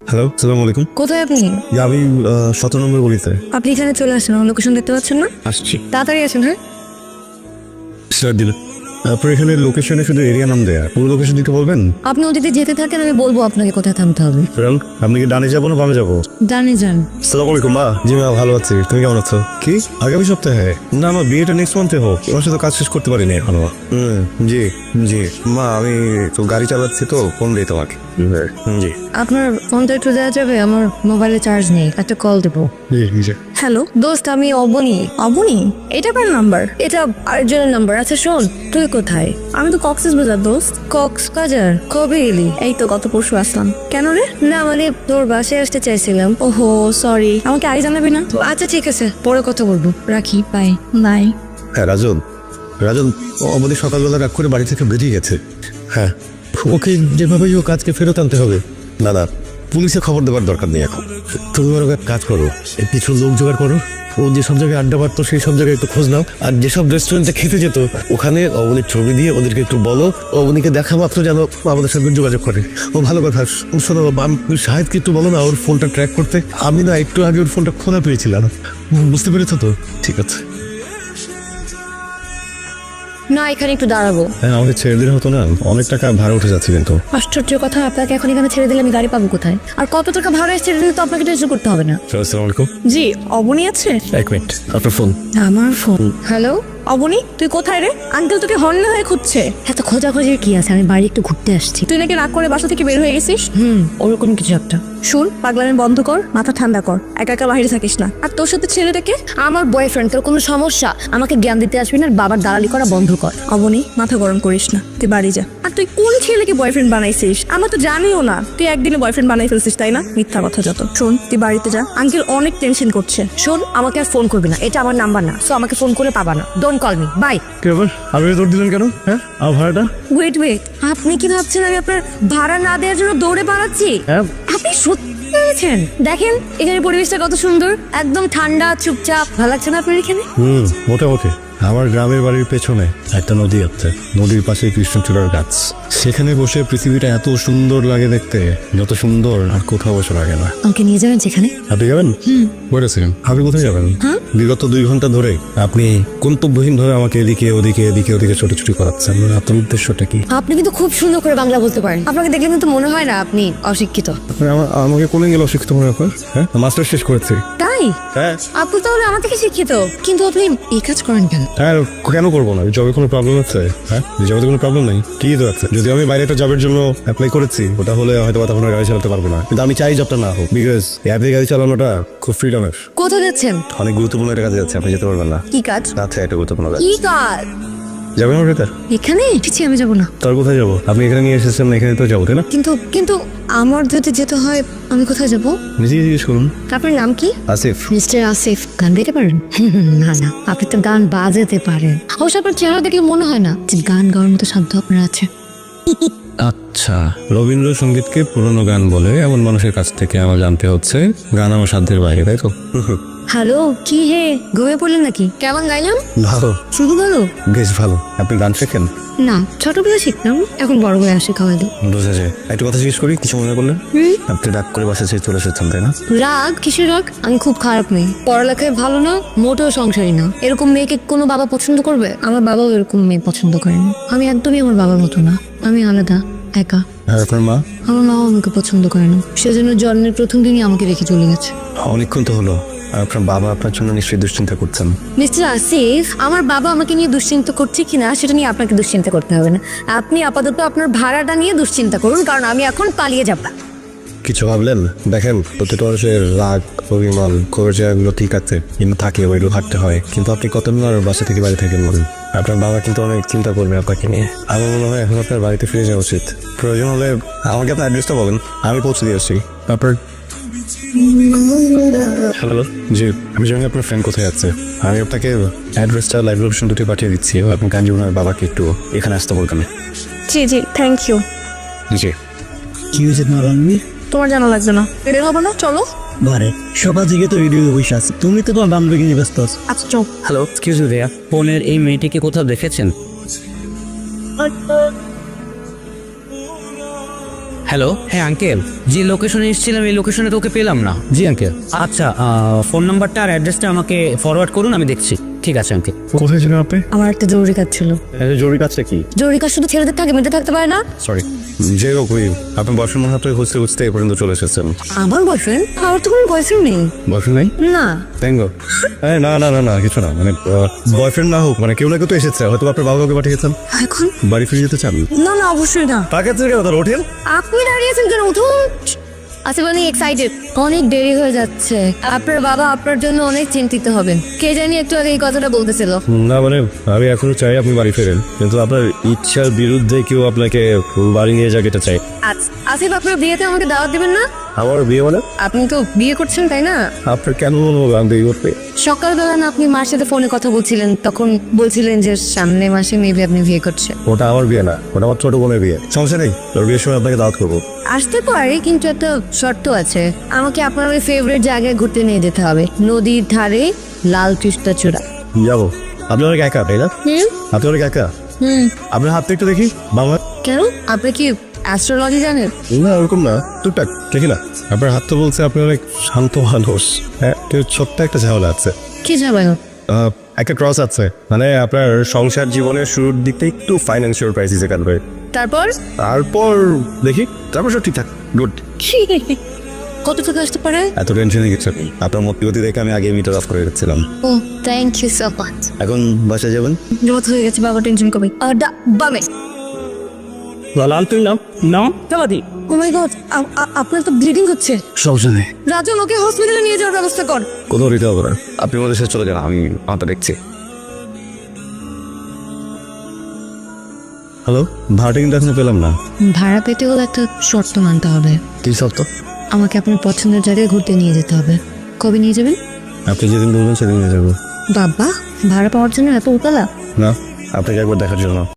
Hello, আসসালামু আলাইকুম। কোথায় আপনি? আমি 17 নম্বর গলিতে আপনি এখানে চলে আসেন, আমার লোকেশন দেখতে পাচ্ছেন না? আসছি। তাড়াতাড়ি আসেন। হ্যাঁ, স্যার দিলে আপনার এখানে লোকেশনে শুধু এরিয়া নাম দেয়া, পুরো লোকেশন দিতে বলবেন? আপনি ওদিকে যেতে থাকেন, আমি বলবো আপনাকে কোথায় থামতে হবে। আপনি কি ডানে যাবো না বামে যাবো? জানি যান। আসসালামু আলাইকুম মা। জি মা, ভালো আছি, তুমি কেমন আছো? কি আগামী সপ্তাহে? না, আমার বিয়েটা নেক্সট মান্থে হোক, তোমার সাথে কাজ শেষ করতে পারিনি এখনো। জি জি মা, আমি তো গাড়ি চালাচ্ছি তো, ফোন দিই তোমাকে। জি আপনার ফোনটা একটু দেওয়া যাবে? আমার মোবাইলে চার্জ নেই, একটা কল দেবো। জি জি। হ্যালো দোস্ত, আমি অবনী। অবনী, এটা কার নাম্বার? এটা আরেকজনের নাম্বার। আচ্ছা শোন, তুই কোথায়? আমি তো কক্সবাজার দোস্ত। কক্সবাজার? কবে এলি? এই তো গত পরশু আসলাম। কেন রে? না মানে তোর বাসায় আসতে চাইছিলাম। ওহো সরি, আমাকে আগে জানাবি না? আচ্ছা ঠিক আছে, পরে কথা বলবো, রাখি, বাই। নাই। হ্যাঁ রাজন, রাজন আমাদের সকালবেলা রাগ করে বাড়ি থেকে বেরিয়ে গেছে। হ্যাঁ, ওকে যেভাবেই ও কাজকে ফেরত আনতে হবে। না না, পুলিশে খবর দেওয়ার দরকার নেই এখন। তুমি ওর এক কাজ করো, কিছু লোক জোগাড় করো, ও যেসব জায়গায় আড্ডা মারতো সেই সব জায়গায় একটু খোঁজ নাও, আর যেসব রেস্টুরেন্টে খেতে যেত ওখানে অবনীর ছবি দিয়ে ওদেরকে একটু বলো, অবনীকে দেখা মাত্র যেন আমাদের সঙ্গে যোগাযোগ করে। ও ভালো কথা। শোনো, শাহেদকে একটু বলো না ওর ফোনটা ট্র্যাক করতে। আমি না একটু আগে ওর ফোনটা খোলা পেয়েছিলাম, বুঝতে পেরেছো তো? ঠিক আছে। না, এখানে একটু দাঁড়াবো। হ্যাঁ, আমাকে ছেড়ে দিলে হতো না, অনেক টাকা ভাড়া উঠে যাচ্ছে কিন্তু। আশ্চর্য কথা, আপনাকে এখন এখানে ছেড়ে দিলে আমি গাড়ি পাবো কোথায়? আর কত টাকা ভাড়া ছেড়ে দিলে তো আপনাকে টেনশন করতে হবে না। আসসালামু আলাইকুম। জি, অবনী আছে? এক মিনিট, আপনার ফোন। আমার ফোন। হ্যালো, অবনী তুই কোথায় রে? আঙ্কেল তোকে হর্ন হয়ে খুঁজছে। এত খোঁজাখুঁজির কি আছে? আমি বাড়ি একটু ঘুরতে আসছি। তুই নাকি রাগ করে বাসা থেকে বের হয়ে গেছিস? ওরকম কিছু একটা। শুন, পাগলামি বন্ধ কর, মাথা ঠান্ডা কর, একা একা বাইরে থাকিস না। আর তোর সাথে ছেলেটাকে? আমার বয়ফ্রেন্ড। তোর কোনো সমস্যা? আমাকে জ্ঞান দিতে আসবি না, আর বাবার দালালি করা বন্ধ কর। অবনী মাথা গরম করিস না, তুই বাড়ি যা। আর তুই কোন ছেলেকে বয়ফ্রেন্ড বানাইছিস? আমরা তো জানিও না তুই একদিনে বয়ফ্রেন্ড বানাই ফেলছিস, তাই না? মিথ্যা কথা যত। শোন, তুই বাড়িতে যা, আঙ্কেল অনেক টেনশন করছে। শোন, আমাকে আর ফোন করবি না, এটা আমার নাম্বার না, সো আমাকে ফোন করে পাবা না। Don't call me, bye. কি ব্যাপার, আপনি দৌড় দিলেন কেন? হ্যাঁ, আমার ভাড়াটা? ওয়েট ওয়েট, আপনি কি ভাবছেন আমি আপনার ভাড়া না দেওয়ার জন্য দৌড়ে পালাচ্ছি? হ্যাঁ। আপনি সত্যি ভেবেছেন? দেখেন এখানে পরিবেশটা কত সুন্দর, একদম ঠান্ডা, চুপচাপ। ভালো লাগছে না আপনার এখানে? মোটামুটি। আমার গ্রামের বাড়ির পেছনে একটা নদী আছে, নদীর পাশে কৃষ্ণচূড়ার গাছ। সেখানে বসে পৃথিবীটা এত সুন্দর লাগে দেখতে, যত সুন্দর আর কোথাও বসে লাগে না। আমাকে নিয়ে যাবেন যেখানে? আপনি যাবেন? বলেছেন আপনি কোথায় যাবেন? বিগত 2 ঘন্টা ধরে আপনি গন্তব্যহীন ভাবে আমাকে এদিকে ওদিকে এদিকে ওদিকে ছোটাছুটি করাচ্ছেন। আপনার উদ্দেশ্যটা কি? আপনি কিন্তু খুব সুন্দর করে বাংলা বলতে পারেন। আপনাকে দেখলে কিন্তু মনে হয় না আপনি অশিক্ষিত। আমাকে কোনে গেলে অশিক্ষিত মনে হয়? হ্যাঁ, মাস্টার শেষ করেছি। তাই? হ্যাঁ। আপনি তাহলে আমার থেকে শিক্ষিত, কিন্তু আপনি এই কাজ করেন কেন? হ্যাঁ, কেন করবো না? জবে কোনো প্রবলেম আছে? হ্যাঁ, জবে কোনো প্রবলেম নেই। কি তো আছে? যদি আমি বাইরে একটা জবের জন্য অ্যাপ্লাই করেছি, ওটা হলে হয়তো তখন গাড়ি চালাতে পারবো না, কিন্তু আমি চাই জবটা না হোক, বিকজ অ্যাপে গাড়ি চালানোটা খুব ফ্রিডমের। কোথায় যাচ্ছেন? অনেক গুরুত্বপূর্ণ একটা কাজে যাচ্ছে, আপনি যেতে পারবেন না। কি কাজ? আচ্ছা, এটা গুরুত্বপূর্ণ কাজ। কি কাজ? যাবেন আমার ভেতর? এখানে ঠিক আমি যাবো না। তার কোথায় যাবো? আপনি এখানে নিয়ে এসেছেন, এখানে তো যাবো, তাই না? কিন্তু কিন্তু আমার যদি যেতে হয়, আমি কোথায় যাব? নিজেই জিজ্ঞেস করুন। আপনার নাম কি? আসিফ। মিস্টার আসিফ, গান গাইতে পারেন? না না, আপনি তো গান বাজাতে পারেন। অবশ্য আপনার চেহারা দেখলে মনে হয় না যে গান গাওয়ার মতো সাধ্য আপনার আছে। আচ্ছা, রবীন্দ্রসঙ্গীতকে পুরনো গান বলে এমন মানুষের কাছ থেকে আমার জানতে হচ্ছে গান আমার সাধ্যের বাইরে, তাই তো? হ্যালো, কি হে, ঘুমিয়ে পড়লেন নাকি? কেমন গাইলাম? ভালো, শুধু ভালো? বেশ ভালো। আপনি গান শেখেন? না, ছোটবেলায় শিখতাম, এখন বড় হয়ে আসে খাওয়াই দিই। বুঝা যায়। একটু কথা জিজ্ঞেস করি, কিছু মনে করলেন? আপনি রাগ করে বাসা ছেড়ে চলে এসেছেন, তাই না? রাগ? কিসের রাগ? আমি খুব খারাপ মেয়ে, পড়ালেখায় ভালো না, মোটেও সংসারী না। এরকম মেয়েকে কোনো বাবা পছন্দ করবে? আমার বাবাও এরকম মেয়ে পছন্দ করেনি। আমি একদমই আমার বাবার মতো না, আমি আলাদা, একা। আর আপনার মা? আমার মাও আমাকে পছন্দ করে না, সেজন্য জন্মের প্রথম দিনই আমাকে রেখে চলে গেছে। অনেকক্ষণ তো হলো। আর আপনার বাবা আপনার জন্য নিশ্চয়ই দুশ্চিন্তা করছেন। মিস্টার আসিফ, আমার বাবা আমাকে নিয়ে দুশ্চিন্তা করছে কিনা সেটা নিয়ে আপনাকে দুশ্চিন্তা করতে হবে না। আপনি আপাতত আপনার ভাড়াটা নিয়ে দুশ্চিন্তা করুন, কারণ আমি এখন পালিয়ে যাব। কিছু ভাবলেন? দেখেন, প্রত্যেকটা মানুষের রাগ, অভিমান, খবর জায়গাগুলো ঠিক আছে, কিন্তু থাকে, ওইগুলো হাঁটতে হয়। কিন্তু আপনি কতদিন আর বাসা থেকে বাড়ি থাকেন বলুন? আপনার বাবা কিন্তু অনেক চিন্তা করবে আপনাকে নিয়ে। আমার মনে হয় এখন আপনার বাড়িতে ফিরে যাওয়া উচিত। প্রয়োজন হলে আমাকে আপনার অ্যাড্রেসটা বলেন, আমি পৌঁছে দিয়ে আসছি। তারপর হ্যালো, জি, আমি জানি আপনার ফ্রেন্ড কোথায় আছে। আমি আপনাকে অ্যাড্রেসটা লাইভ লোকেশন দুটি পাঠিয়ে দিচ্ছি। আপনি কাঞ্জিবনের বাবাকে একটু এখানে আসতে বলবেন। জি জি, থ্যাংক ইউ। জি। কি হয়েছে তোমার বান্ধবী? তোমার জানা লাগবে না, বের হবো না, চলো। বারে সকাল থেকে তো ভিডিও বসে আছে, তুমি তো তোমার বান্ধবীকে নিয়ে ব্যস্ত আছো। আচ্ছা চল। হ্যালো, এক্সকিউজ মি ভাইয়া, ফোনের এই মেয়েটিকে কোথাও দেখেছেন? হ্যালো, হ্যাঁ আঙ্কেল, যে লোকেশনে এসেছিলাম এই লোকেশনে তোকে পেলাম না। জি আঙ্কেল। আচ্ছা, ফোন নাম্বারটা আর অ্যাড্রেসটা আমাকে ফরওয়ার্ড করুন, আমি দেখছি। ঠিক আছে আঙ্কেল। কোথায় ছিলেন আপনি? আমার একটা জরুরি কাজ ছিল। জরুরি কাজটা কি? জরুরি কাজ শুধু ছেলেদের থাকে, মেয়েদের থাকতে পারে না। সরি। যে হোক, আপনি বয়ফ্রেন্ড মনে হয় খুঁজতে খুঁজতে এ পর্যন্ত চলে এসেছেন। আমার বয়ফ্রেন্ড? আমার তো কোনো বয়ফ্রেন্ড নেই। বয়ফ্রেন্ড নাই? না। Thank God. না না না না, কিছু না, মানে বয়ফ্রেন্ড না হোক, মানে কেউ না কেউ তো এসেছে, হয়তো আপনার বাবা কাউকে পাঠিয়েছেন। এখন? বাড়ি ফিরে যেতে চান? না না, অবশ্যই না। তাকে কেন তার হোটেল? আপনি দাঁড়িয়েছেন কেন? উঠুন। আচ্ছা, মানে এক্সাইটেড, অনেক দেরি হয়ে যাচ্ছে। আপনার বাবা আপনার জন্য অনেক চিন্তিত হবেন। কে জানি একটু আগে এই কথাটা বলতেছিল। না মানে আমি এখনো চাই আপনি বাড়ি ফেরেন, কিন্তু আপনার ইচ্ছার বিরুদ্ধে কেউ আপনাকে বাড়ি নিয়ে যাক এটা চাই। আচ্ছা, আসিফ, আপনার বিয়েতে আমাকে দাওয়াত দিবেন না? আমার বিয়ে মানে? আপনি তো বিয়ে করছেন, তাই না? আপনার কেন মনে হবে আমি বিয়ে করতে? সকালবেলা না আপনি মার সাথে ফোনে কথা বলছিলেন, তখন বলছিলেন যে সামনে মাসে মেবি আপনি বিয়ে করছেন। ওটা আমার বিয়ে না, ওটা আমার ছোট বোনের বিয়ে। সমস্যা নেই, তোর বিয়ের সময় আপনাকে দাওয়াত করবো। আসতে পারে, কিন্তু একটা শর্ত আছে। আমাকে আপনার ওই ফেভারিট জায়গায় ঘুরতে নিয়ে যেতে হবে, নদীর ধারে লাল কৃষ্ণচূড়া। যাবো। আপনি অনেক একা, তাই না? আপনি অনেক একা। আপনার হাতটা একটু দেখি বাবা। কেন? আপনি কি অ্যাস্ট্রোলজি জানেন? না ওরকম না, টুকটাক দেখি না। আপনার হাত তো বলছে আপনি অনেক শান্ত মানুষ। হ্যাঁ, ছোট্ট একটা ঝামেলা আছে। কি যাবেন? একটা ক্রস আছে, মানে আপনার সংসার জীবনের শুরুর দিকটা একটু ফাইন্যান্সিয়াল ক্রাইসিসে কাটবে। তারপর? তারপর দেখি, তারপর সব ঠিকঠাক, গুড। কত টাকা আসতে পারে? এত টেনশনে কিছু নেই, আপনার মতিগতি দেখে আমি আগে মিটার অফ করে রেখেছিলাম। ও, থ্যাংক ইউ সো মাচ। এখন বাসায় যাবেন? জোত হয়ে গেছে, বাবা টেনশন করবে। বামে। লাল তুই নাম নাম চালাদি। ও মাই গড, আপনার তো ব্লিডিং হচ্ছে। সমস্যা নেই, রাজু, ওকে হসপিটালে নিয়ে যাওয়ার ব্যবস্থা কর। কোথাও দিতে হবে না, আপনি আমাদের সাথে চলে যান, আমি মাথা দেখছি। হ্যালো, ভাড়াটা কিন্তু এখনো পেলাম না। ভাড়া পেতে হলে একটা শর্ত মানতে হবে। কি শর্ত? আমাকে আপনার পছন্দের জায়গায় ঘুরতে নিয়ে যেতে হবে। কবে নিয়ে যাবেন? আপনি যেদিন বলবেন সেদিন নিয়ে যাবো। বাবা, ভাড়া পাওয়ার জন্য এত উতলা? না, আপনাকে একবার দেখার জন্য।